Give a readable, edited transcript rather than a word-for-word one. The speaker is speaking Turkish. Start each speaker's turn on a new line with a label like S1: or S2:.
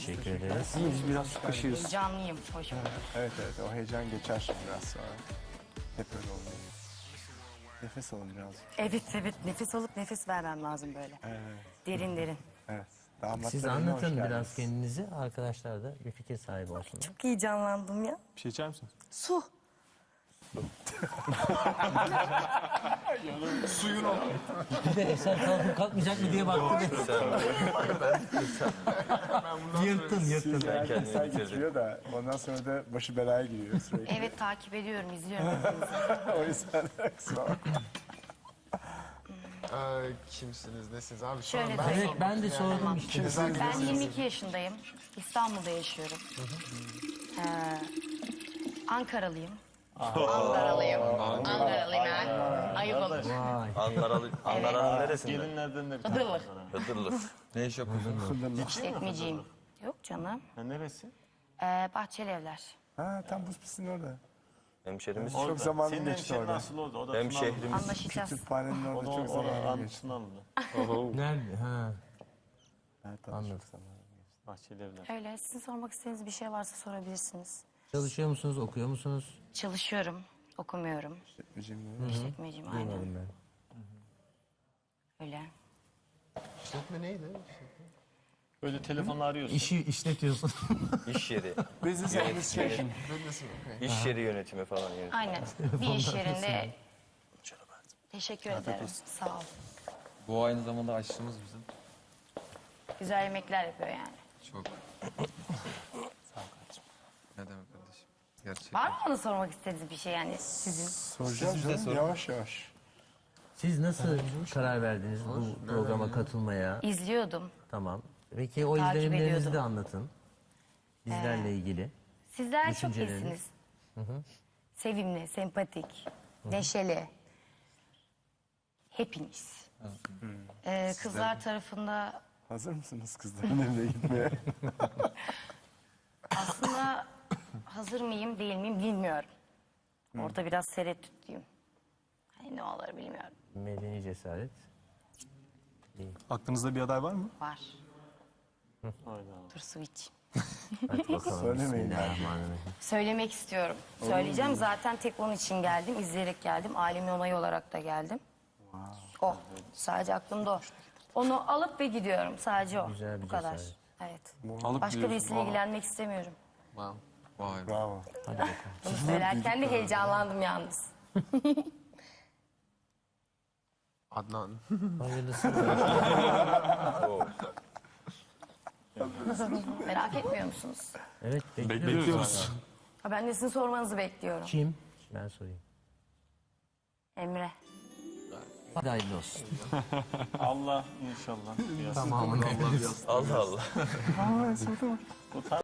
S1: Teşekkür ederiz.
S2: Biz biraz sıkışıyoruz.
S3: Heyecanlıyım. Hoş bulduk.
S4: Evet o heyecan geçer şimdi biraz sonra. Hep öyle oluyor. Nefes alın birazcık.
S3: Evet. Nefes alıp nefes vermem lazım böyle. Derin derin.
S4: Evet. Damatlar
S1: Siz
S4: evine hoş
S1: anlatın
S4: geldiniz.
S1: biraz kendinizi. Arkadaşlar da bir fikir sahibi olsun.
S3: Çok heyecanlandım ya.
S2: Bir şey içer misiniz?
S3: Su.
S1: Bir de Eser kalkıp kalkmayacak mı diye baktım. Yırttın.
S4: Yani sen getiriyor da ondan sonra da başı belaya giriyor sürekli.
S3: Evet takip ediyorum, izliyorum hepinizi.
S4: O yüzden kusura bakma.
S5: Kimsiniz, nesiniz abi? Şu
S3: Şöyle
S5: an
S3: de-
S1: Evet ben de sordum işte.
S3: Ben 22 yaşındayım. İstanbul'da yaşıyorum. Ankaralıyım. Ankaralıyım ben. Ayıp olur.
S1: Vay.
S6: Ankara'nın neresinde?
S2: Gelinlerden de bir
S3: Hıdırlık.
S6: Hıdırlık.
S5: ne iş yapıyorsunuz?
S3: İşletmeciyim. Yok canım.
S2: Ha, neresi?
S3: Bahçeli Evler.
S4: Ha tam buz pistinin orada.
S6: Hemşerimiz.
S4: Çok zamanım
S2: Senin
S4: geçti
S2: hemşehrin
S4: orada.
S2: asıl orada. O da
S6: Hemşehrimiz.
S3: Anlaşacağız.
S4: Kütüphanenin
S2: O
S4: orada
S2: da
S4: çok zamanım geçti.
S2: anısını alındı.
S1: Nerede? Ha.
S4: Evet,
S1: Anladım.
S4: çok zamanım geçti.
S2: Bahçeli evler.
S3: Öyle. Sizin sormak istediğiniz bir şey varsa sorabilirsiniz.
S1: Çalışıyor musunuz, okuyor musunuz?
S3: Çalışıyorum. Okumuyorum.
S4: İşletmeciyim.
S3: İşletmeciyim aynen.
S1: Duymadım ben.
S3: Öyle.
S5: İşletme neydi?
S2: Böyle telefonla arıyorsun.
S1: İşi işletiyorsun.
S6: İş yeri.
S4: Business Administration.
S6: İş yeri yönetimi falan yani.
S3: Aynen. Bir iş yerinde. Teşekkür ederim. Sağ ol.
S5: Bu aynı zamanda aşçımız bizim.
S3: Güzel yemekler yapıyor yani.
S5: Çok. Ne demek kardeşim? Gerçekten.
S3: Var mı bana sormak istediğiniz bir şey yani sizin?
S4: Soracağım canım yavaş yavaş.
S1: Siz nasıl karar verdiniz bu programa katılmaya?
S3: İzliyordum.
S1: Tamam. Peki o
S3: Takip
S1: izlenimlerinizi
S3: ediyordum.
S1: de anlatın. Bizlerle ilgili.
S3: Sizler çok
S1: Düşünceleriniz?
S3: iyisiniz. Sevimli, sempatik, neşeli. Hepiniz. Kızlar tarafında
S4: Hazır mısınız kızların evine gitmeye?
S3: aslında hazır mıyım değil miyim bilmiyorum. Orada biraz tereddütlüyüm. Hani ne olur bilmiyorum.
S1: Medeni cesaret.
S2: Aklınızda bir aday var mı?
S3: Var.
S2: Hayda.
S3: Dur su iç.
S1: Hadi bakalım.
S4: Söylemeyin
S1: Bismillahirrahmanirrahim.
S3: Söylemek istiyorum. Söyleyeceğim. Zaten tek onun için geldim. İzleyerek geldim. Ailemin onayı olarak da geldim. O. Sadece aklımda o. Onu alıp ve gidiyorum. Sadece o.
S1: Güzel bir
S3: Bu kadar.
S1: cesaret.
S3: Evet.
S2: Alıp
S3: Başka birisiyle ilgilenmek istemiyorum.
S5: Wow. Vay be.
S4: Bravo.
S3: Bunu söylerken de heyecanlandım yalnız.
S5: Adnan.
S1: Hayırlısı.
S3: Merak etmiyor musunuz?
S1: Evet bekliyoruz.
S2: Bekliyoruz.
S3: Ha, ben de sizin sormanızı bekliyorum.
S1: Kim? Ben sorayım.
S3: Emre.
S1: Hadi hayırlı olsun.
S2: Allah inşallah.
S1: Tamamını.
S6: Allah Allah.
S4: Aa, sırada var.